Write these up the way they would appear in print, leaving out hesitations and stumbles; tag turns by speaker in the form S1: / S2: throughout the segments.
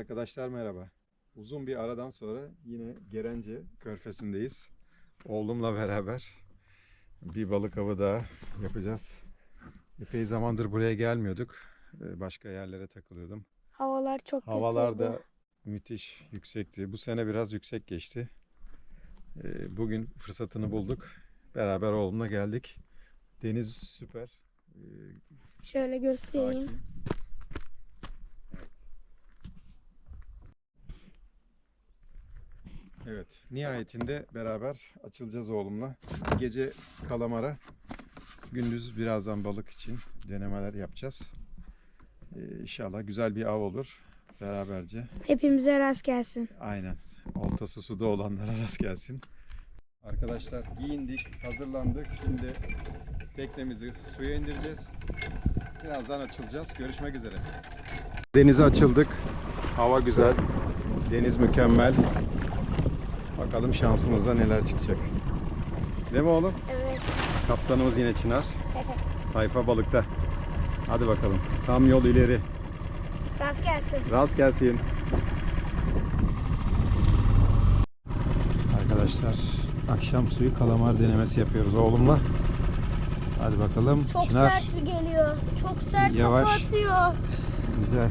S1: Arkadaşlar merhaba. Uzun bir aradan sonra yine Gerence Körfezi'ndeyiz. Oğlumla beraber bir balık avı daha yapacağız. Epey zamandır buraya gelmiyorduk. Başka yerlere takılıyordum.
S2: Havalar çok kötüydü.
S1: Havalar da müthiş yüksekti. Bu sene biraz yüksek geçti. Bugün fırsatını bulduk. Beraber oğlumla geldik. Deniz süper.
S2: Şöyle göstereyim.
S1: Sakin. Evet, nihayetinde beraber açılacağız oğlumla. Gece kalamara, gündüz birazdan balık için denemeler yapacağız. İnşallah güzel bir av olur beraberce.
S2: Hepimize rast gelsin.
S1: Aynen, oltası suda olanlara rast gelsin. Arkadaşlar giyindik, hazırlandık. Şimdi teknemizi suya indireceğiz. Birazdan açılacağız. Görüşmek üzere. Denize açıldık. Hava güzel, deniz mükemmel. Bakalım şansımızda neler çıkacak. Değil mi oğlum?
S2: Evet.
S1: Kaptanımız yine Çınar. Tayfa balıkta. Hadi bakalım. Tam yol ileri.
S2: Rast gelsin.
S1: Rast gelsin. Arkadaşlar akşam suyu kalamar denemesi yapıyoruz oğlumla. Hadi bakalım.
S2: Çok
S1: Çınar.
S2: sert geliyor. Çok sert
S1: Yavaş.
S2: kafa atıyor.
S1: Güzel.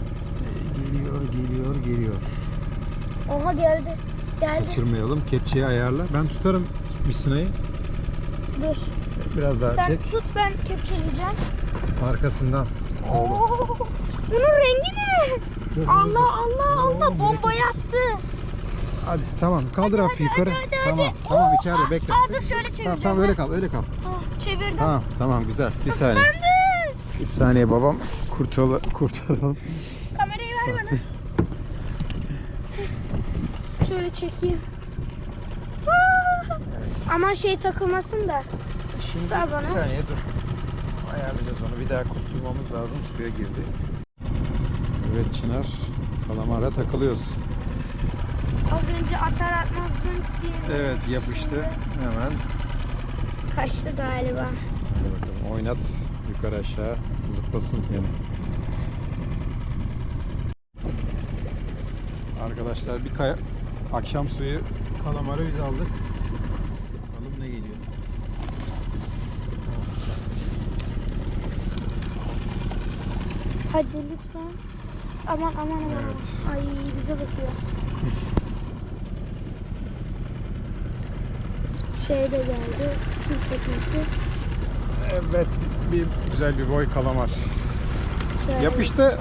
S1: Geliyor.
S2: Oha geldi.
S1: Kaçırmayalım. Kepçeyi ayarla. Ben tutarım misinayı.
S2: Dur.
S1: Biraz daha
S2: Sen
S1: çek.
S2: tut, ben kepçeleyeceğim.
S1: Arkasından.
S2: Oo, bunun rengi ne?
S1: Dur,
S2: Allah bomba yaptı.
S1: Hadi tamam. Kaldır hafif yukarı. Tamam içeride bekle.
S2: Dur şöyle çevireceğim.
S1: Tamam öyle kal.
S2: Çevirdim.
S1: Tamam güzel. Bir saniye. Bir saniye babam. Kurtaralım.
S2: Kamerayı ver bana. Şöyle çekeyim.
S1: Evet.
S2: Aman şey takılmasın da.
S1: Şimdi
S2: Sağ bana.
S1: bir saniye dur. Ayarlayacağız onu. Bir daha kusturmamız lazım. Suya girdi. Evet Çınar. Kalamara takılıyoruz.
S2: Az önce atar atmaz zınk diye.
S1: Evet yapıştı. Hemen.
S2: Kaçtı galiba.
S1: Hadi bakalım. Oynat. Yukarı aşağı. Zıplasın yani. Arkadaşlar bir akşam suyu kalamarı biz aldık. Bakalım ne geliyor.
S2: Hadi lütfen. Aman.
S1: Evet.
S2: Ay bize bakıyor. Şey de geldi. Tüm teknesi.
S1: Evet, güzel bir boy kalamar.
S2: Şöyle.
S1: Yapıştı.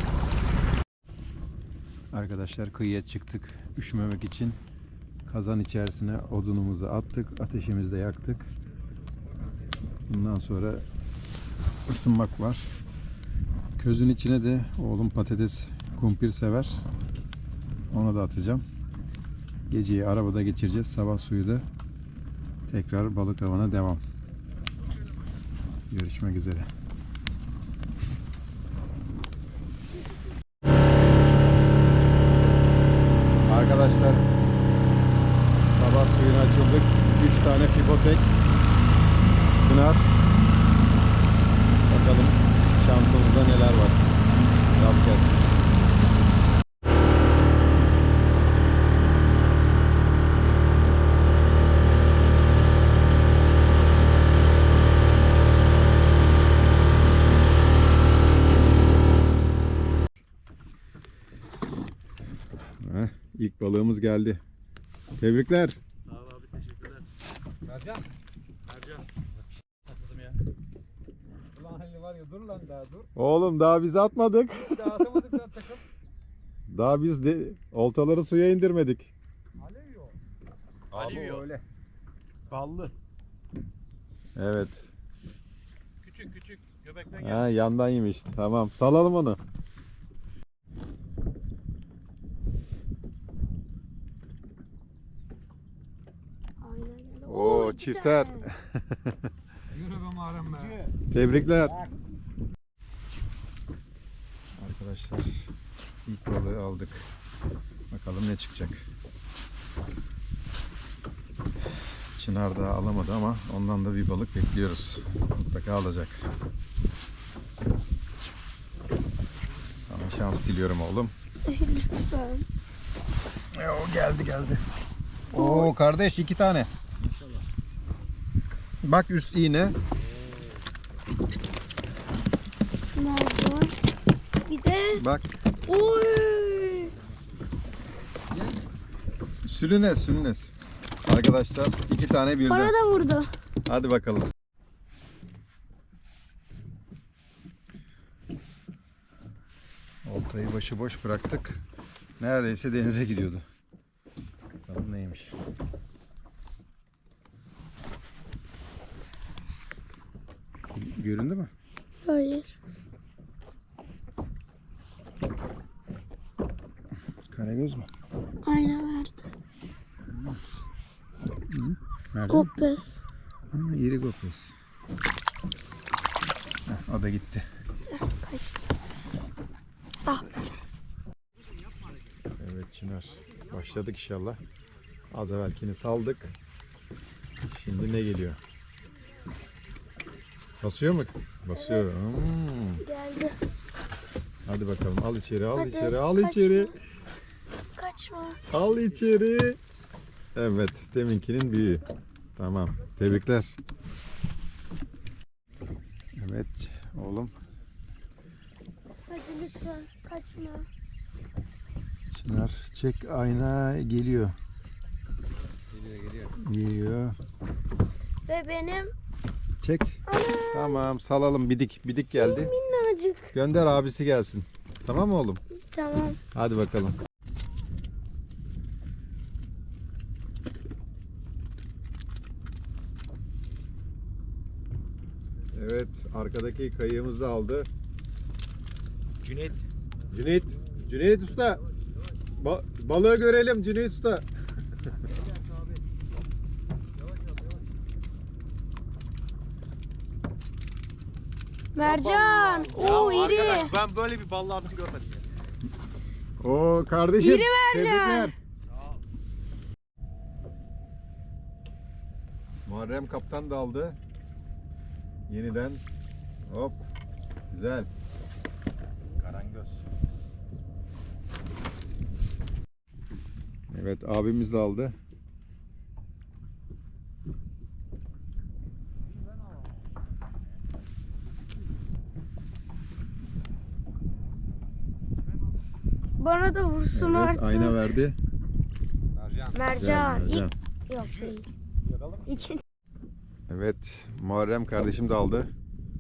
S1: Arkadaşlar kıyıya çıktık üşümemek için. Kazan içerisine odunumuzu attık, ateşimizi de yaktık. Bundan sonra ısınmak var. Közün içine de oğlum patates, kumpir sever. Onu da atacağım. Geceyi arabada geçireceğiz. Sabah suyu da tekrar balık avına devam. Görüşmek üzere. Arkadaşlar sabah suyuna açıldık. 3 tane fibotek. Çınar. Bakalım şansımızda neler var. Rast gelsin. İlk balığımız geldi. Tebrikler.
S3: Sağ ol abi, teşekkürler. Mercan. Atladım ya.
S4: Ulan Halil var ya, dur lan daha dur.
S1: Oğlum daha biz atmadık.
S4: Daha atamadık lan takım.
S1: Daha biz de oltaları suya indirmedik.
S4: Alev yok.
S3: Alivio.
S1: öyle.
S3: Ballı.
S1: Evet.
S3: Küçük. Göbekten gel.
S1: Ha, yandan yemiş. Tamam. Salalım onu.
S2: Aynen.
S1: Oo
S2: iki
S1: çifter.
S2: tane.
S4: Yürü be mağaram be.
S1: Tebrikler. Arkadaşlar ilk balığı aldık. Bakalım ne çıkacak. Çınar daha alamadı ama ondan da bir balık bekliyoruz. Mutlaka alacak. Sana şans diliyorum oğlum.
S2: Lütfen.
S1: O geldi. Oo kardeş 2 tane. Bak üst iğne.
S2: Ne oldu? Bir de
S1: Bak
S2: oy.
S1: sülünes. Arkadaşlar 2 tane birden.
S2: Bana da vurdu.
S1: Hadi bakalım. Oltayı başıboş bıraktık. Neredeyse denize gidiyordu. Bakalım neymiş. Göründü mü?
S2: Hayır.
S1: Karagöz mü?
S2: Ayna verdi.
S1: Nerede?
S2: Kopes.
S1: İri kopes. O da gitti.
S2: Kaçtı. Ah.
S1: Evet Çınar. Başladık inşallah. Az evvelkini saldık. Şimdi ne geliyor? Basıyor mu? Basıyor.
S2: Evet. Geldi.
S1: Hadi bakalım. Al içeri, al
S2: Hadi,
S1: içeri, al
S2: kaçma.
S1: içeri.
S2: Kaçma.
S1: Al içeri. Evet, deminkinin büyüğü. Tamam. Tebrikler. Evet oğlum.
S2: Hadi lütfen kaçma.
S1: Çınar çek, ayna geliyor. Geliyor.
S2: Ve benim
S1: Çek. Tamam salalım, bidik geldi.
S2: minnacık.
S1: Gönder abisi gelsin. Tamam mı oğlum?
S2: Tamam.
S1: Hadi bakalım. Evet, arkadaki kayığımızı da aldı.
S3: Cüneyt.
S1: Cüneyt Usta. Balığı görelim Cüneyt Usta.
S2: Mercan. Oo
S3: Ya
S2: iri.
S3: arkadaş ben böyle bir ballı adam görmedim ya.
S1: Oo kardeşim.
S2: İri mercan.
S1: Tebrikler. Muharrem kaptan da aldı. Yeniden. Hop. Güzel.
S3: Karangöz.
S1: Evet abimiz de aldı.
S2: Bana da vursun
S1: Evet
S2: artık.
S1: ayna verdi.
S2: Mercan.
S1: Mercan.
S2: Yok değil. İkinci.
S1: Evet Muharrem kardeşim de aldı.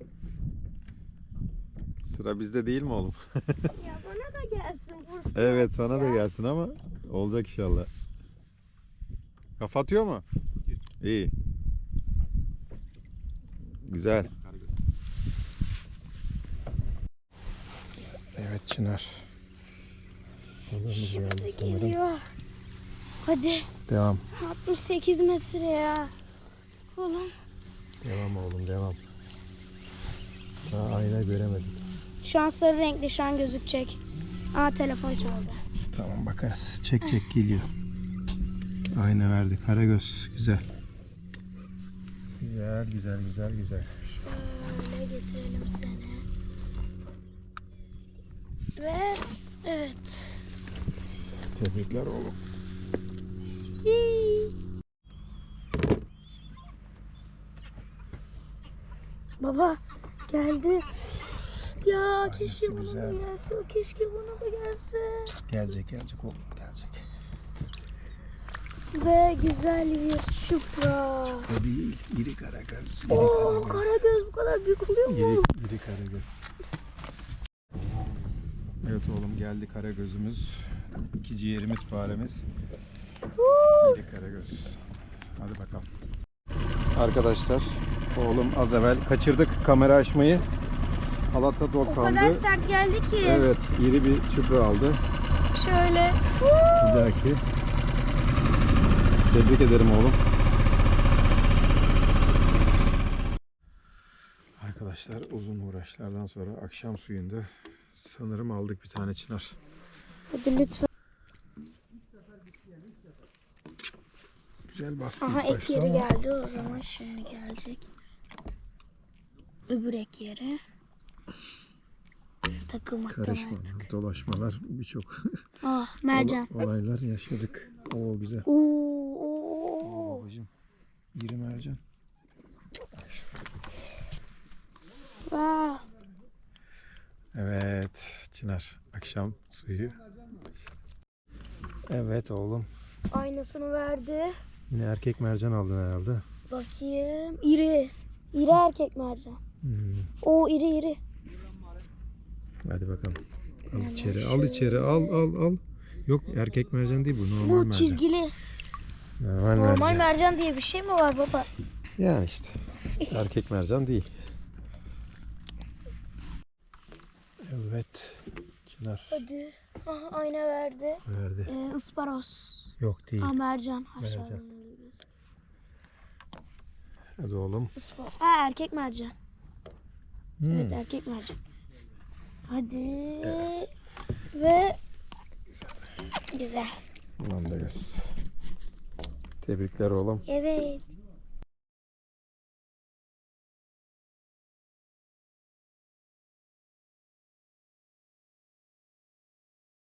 S1: Sıra bizde değil mi oğlum?
S2: Ya bana da gelsin vursun.
S1: Evet sana da gelsin ama olacak inşallah. Kafa atıyor mu? İyi. Güzel. Evet Çınar.
S2: Şimdi geliyor. Hadi.
S1: Devam.
S2: 68 metre ya. Oğlum.
S1: Devam oğlum devam. Daha ayna göremedim.
S2: Şu an sarı renkli, şu an gözükecek. Aa telefon çaldı.
S1: Tamam bakarız. Çek geliyor. Ayna verdi. Karagöz. Güzel. Güzel.
S2: Şöyle getirelim seni. Ve evet.
S1: Tebrikler oğlum.
S2: Hii. Baba geldi. Ya keşke bana
S1: güzel.
S2: da gelse. Keşke bana da gelse.
S1: Gelecek oğlum gelecek.
S2: Ve güzel bir çupra.
S1: O değil. İri karagöz.
S2: Oo karagöz bu kadar büyük oluyor mu?
S1: İri karagöz. Evet oğlum geldi karagözümüz. 2 ciğerimiz faremiz. İri karagöz. Hadi bakalım. Arkadaşlar oğlum az evvel kaçırdık kamera açmayı. Halata
S2: O
S1: dokandı.
S2: kadar sert geldi ki.
S1: Evet iri bir çupra aldı.
S2: Şöyle.
S1: Bir dahaki. Tebrik ederim oğlum. Arkadaşlar uzun uğraşlardan sonra akşam suyunda sanırım aldık bir tane çınar.
S2: Hadi lütfen.
S1: Güzel bastı
S2: Aha
S1: ilk
S2: ek
S1: başta
S2: yeri
S1: ama
S2: geldi, o zaman şimdi gelecek. Öbür ek yeri. takılmaktan
S1: Karışmalar,
S2: artık.
S1: dolaşmalar, birçok
S2: Ah mercan.
S1: olaylar yaşadık. Oo güzel.
S2: Oo.
S1: Babacığım, iri mercan.
S2: Vaa.
S1: Evet Çınar, akşam suyu. Evet oğlum,
S2: Aynasını verdi.
S1: yine erkek mercan aldın herhalde.
S2: Bakayım. İri. İri erkek mercan. O iri.
S1: Hadi bakalım. Al içeri, al içeri, al. Yok erkek mercan değil bu, normal
S2: Bu
S1: mercan.
S2: çizgili.
S1: Normal
S2: Normal
S1: mercan.
S2: mercan diye bir şey mi var baba?
S1: Yani işte, erkek mercan değil. Evet, Çınar
S2: Hadi. Aha, ayna verdi.
S1: verdi.
S2: Isparos.
S1: Yok değil.
S2: Ha mercan.
S1: Mercan.
S2: Aşağıdan.
S1: Hadi oğlum.
S2: Isparos. Ha erkek mercan. Evet erkek mercan. Hadi. Ve güzel.
S1: Ulan da göz. Tebrikler oğlum.
S2: Evet.